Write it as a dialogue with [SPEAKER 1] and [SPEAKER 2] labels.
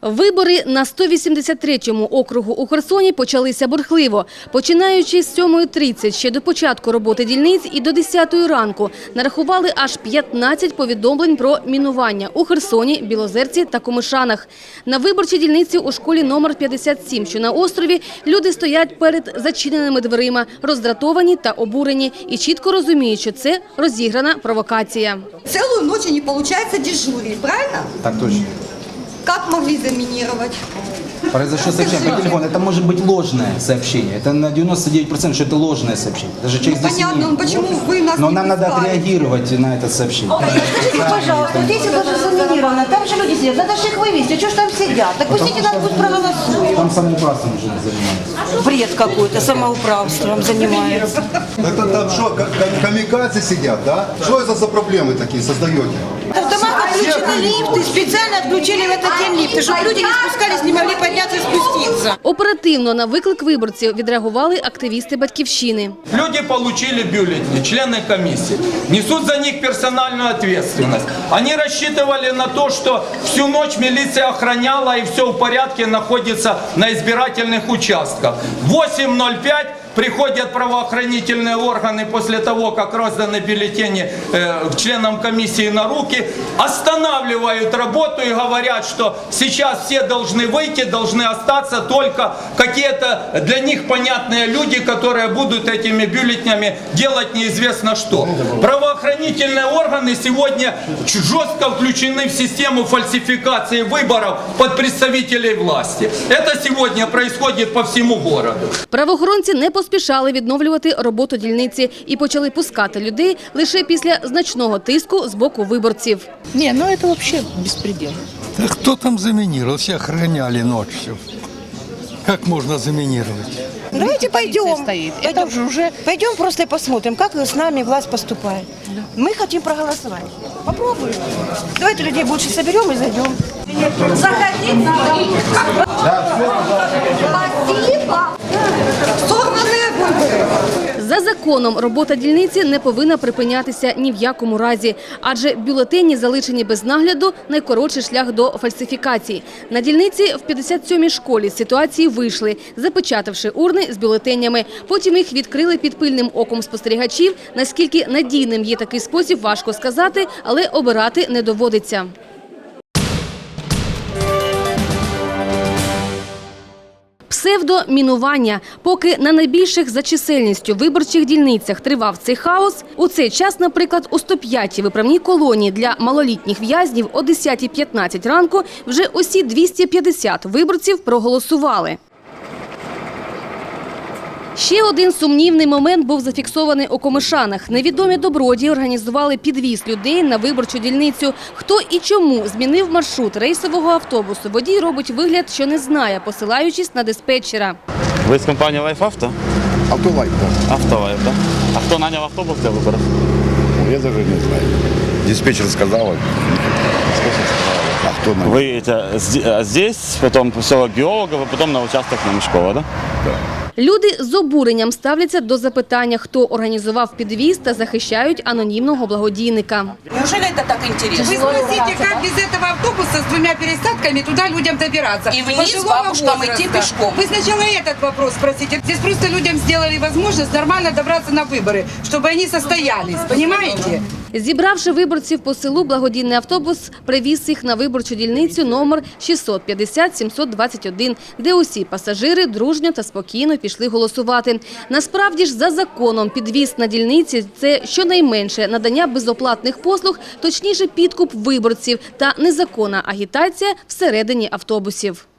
[SPEAKER 1] Вибори на 183-му округу у Херсоні почалися бурхливо. Починаючи з 7:30 ще до початку роботи дільниць і до 10-ї ранку нарахували аж 15 повідомлень про мінування у Херсоні, Білозерці та Комишанах. На виборчій дільниці у школі номер 57, що на острові, люди стоять перед зачиненими дверима, роздратовані та обурені і чітко розуміють, що це розіграна провокація.
[SPEAKER 2] Целую ночь не получается дежурить, правильно?
[SPEAKER 3] Так точно.
[SPEAKER 2] Как могли заминировать?
[SPEAKER 3] Произошло сообщение по телефону. Это может быть ложное сообщение. Это на 99%, что это ложное сообщение. Даже человек здесь
[SPEAKER 2] Понятно,
[SPEAKER 3] сидит.
[SPEAKER 2] но почему вы нас
[SPEAKER 3] Но
[SPEAKER 2] не
[SPEAKER 3] нам надо
[SPEAKER 2] пускаете?
[SPEAKER 3] отреагировать на это сообщение.
[SPEAKER 4] Скажите, пожалуйста, здесь даже заминировано, там же люди сидят, надо же их вывести, что ж там сидят? Так пустите нас, пусть проголосуют.
[SPEAKER 3] Там самоуправством уже занимаются.
[SPEAKER 4] Бред какой-то, самоуправством занимается.
[SPEAKER 5] Это там что, камикадзе сидят, да? Что это за проблемы такие создаете?
[SPEAKER 4] В домах отключены лифты, специально отключили в этот день лифты, чтобы люди не спускались, не могли подняться и спуститься.
[SPEAKER 1] Оперативно на виклик виборців відреагували активісти «Батьківщини».
[SPEAKER 6] Люди получили бюллетени, члены комиссии, несут за них персональную ответственность. Они рассчитывали на то, что всю ночь милиция охраняла и все в порядке находится на избирательных участках. В 8:05 приходят правоохранительные органы после того, как розданы бюллетени членам комиссии на руки, останавливают работу и говорят, что сейчас все должны выйти, должны остаться только какие-то для них понятные люди, которые будут этими бюллетенями делать неизвестно что. Правоохранительные органы сегодня жестко включены в систему фальсификации выборов под представителей власти. Это сегодня происходит по всему городу.
[SPEAKER 1] Правоохоронці не поспішали відновлювати роботу дільниці і почали пускати людей лише після значного тиску з боку виборців.
[SPEAKER 7] Не, ну это вообще беспредел.
[SPEAKER 8] Да кто там заминировал? Все охраняли ночью. Как можно заминировать?
[SPEAKER 4] Давайте пойдем.
[SPEAKER 7] Стоит. Это же уже...
[SPEAKER 4] Пойдем просто и посмотрим, как с нами власть поступает. Мы хотим проголосовать. Попробуем. Давайте людей больше соберем и зайдем.
[SPEAKER 2] Заходите. Спасибо. Сорванные выборы.
[SPEAKER 1] За законом робота дільниці не повинна припинятися ні в якому разі, адже бюлетені, залишені без нагляду, найкоротший шлях до фальсифікації. На дільниці в 57-й школі з ситуації вийшли, запечатавши урни з бюлетенями. Потім їх відкрили під пильним оком спостерігачів. Наскільки надійним є такий спосіб, важко сказати, але обирати не доводиться. Псевдомінування. Поки на найбільших за чисельністю виборчих дільницях тривав цей хаос, у цей час, наприклад, у 105-й виправній колонії для малолітніх в'язнів о 10:15 ранку вже усі 250 виборців проголосували. Ще один сумнівний момент був зафіксований у Комишанах. Невідомі добродії організували підвіз людей на виборчу дільницю. Хто і чому змінив маршрут рейсового автобусу, водій робить вигляд, що не знає, посилаючись на диспетчера.
[SPEAKER 9] Ви з компанії Life Auto?
[SPEAKER 5] Автолайк, да.
[SPEAKER 9] Автолайф, так? А хто наняв автобус для виборів?
[SPEAKER 5] Я даже не знаю. Диспетчер сказал. А кто нанял?
[SPEAKER 9] Ви здесь, потім поселок Геологів, потім на участок на Мішкова, так?
[SPEAKER 5] Да.
[SPEAKER 1] Люди з обуренням ставляться до запитання, хто організував підвіз та захищають анонімного благодійника.
[SPEAKER 4] Неужели это так интересно?
[SPEAKER 10] Вы спросите, как без этого автобуса с 2 пересадками туда людям добираться?
[SPEAKER 4] И вниз
[SPEAKER 10] Пожилого
[SPEAKER 4] бабушкам
[SPEAKER 10] возраста.
[SPEAKER 4] идти пешком.
[SPEAKER 10] Вы сначала этот вопрос спросите. Здесь просто людям сделали возможность нормально добраться на выборы, чтобы они состоялись, понимаете?
[SPEAKER 1] Зібравши виборців по селу, благодійний автобус привіз їх на виборчу дільницю номер 650-721, де усі пасажири дружньо та спокійно пішли голосувати. Насправді ж, за законом, підвіз на дільниці – це щонайменше надання безоплатних послуг, точніше підкуп виборців та незаконна агітація всередині автобусів.